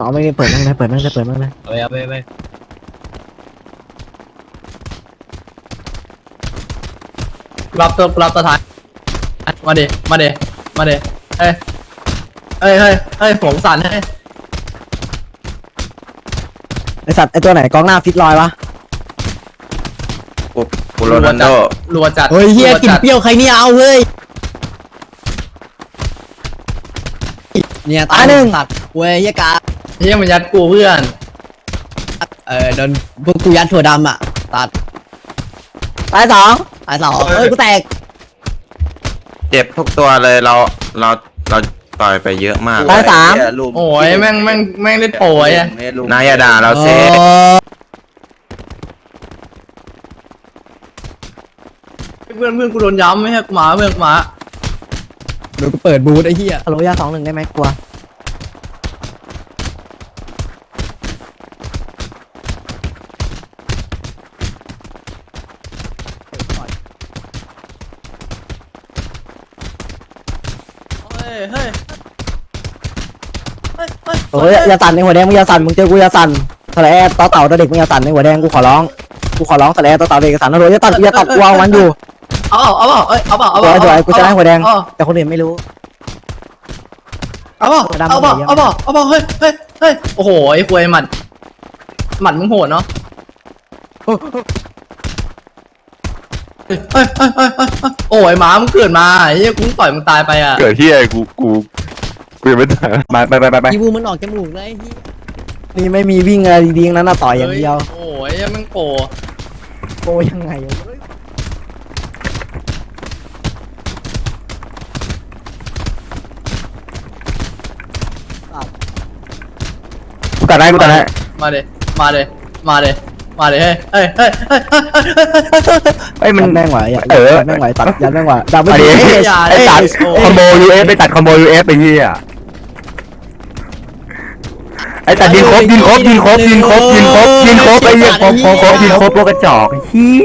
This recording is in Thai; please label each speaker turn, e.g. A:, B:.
A: อ๋อไม่ได้เปิดนั่งเลยเปิดนั่งเลยเปิดนั่งเลย
B: เอาไปรับตัวท้ายมาดิเฮ้ยผมสั่นให้
A: ไอสัตว์ไอตัวไหนกองหน้าฟิตลอยวะ
C: กูโรนัลโด
B: รัวจัด
A: เฮ้ยเฮียกินเปรี้ยวใครเนี่ยเอาเฮ้ยเนี่ยตายหนึ่งสัตว์เว้ยเฮียกา
B: เฮียมันยัดกูเพื่อน
A: โดนพวกกูยัดถั่วดำอ่ะตัดตายสองเฮ้ยกูแตก
C: เจ็บทุกตัวเลยเราต่อยไปเยอะมาก
A: ตายสาม
B: โอ้ยแม่งเล่นโป่ยอะ
C: นายอย่าด่าเราเซ
B: เพื่อนกูโดนย้ำไม่ใช่หมาเพื่อนหมา
A: เดี๋ยวกูเปิดบูธไอ้เหี้ยฮัลโหลยา2-1ได้ไหมกลัว
B: เฮ้ย
A: เฮ้ยอย่าสั่นในหัวแดงมึงอย่าสั่นมึงเจอกูอย่าสั่นทะเลต่อเต่าตัวเด็กมึงอย่าสั่นในหัวแดงกูขอร้องทะเลต่อเต่าเด็กสั่นฮัลโหลอย่าตัดกูเอามันอยู่
B: เอา
A: สวยกูจะได้หัวแดงแต่คนอื่นไม่รู้
B: เอาเฮ้ยโอ้โหไอ้ควยหมัดมึงโหดเนาะเฮ้ยโอ้ยหมามึงเกิดมาไอ้เหี้ยกูต่อยมึงตายไปอ่ะ
D: เกิดที่ไอ้กูยังไม่ตายไป
A: อีบูมันออกจมูกเลยนี่ไม่มีวิ่งอะไรดีๆนั้นน่ะต่อยอย่างเดียว
B: โอ้ยมึงโป
A: โกยังไง
D: กูตัดได้
B: มาเดเฮ้ย
D: มัน
A: แม่งไหวอ่ะแม่งไหวตัดยันแม่งไหวดับเบิล
D: ไอ้
A: ยู
D: ไอ้ตัดคอมโบ UF ไปตัดคอมโบ UF ไปเหี้ยไอ้ตัดยิงครบไอ้เหี้ยครบพวกกระจอกเหี้ย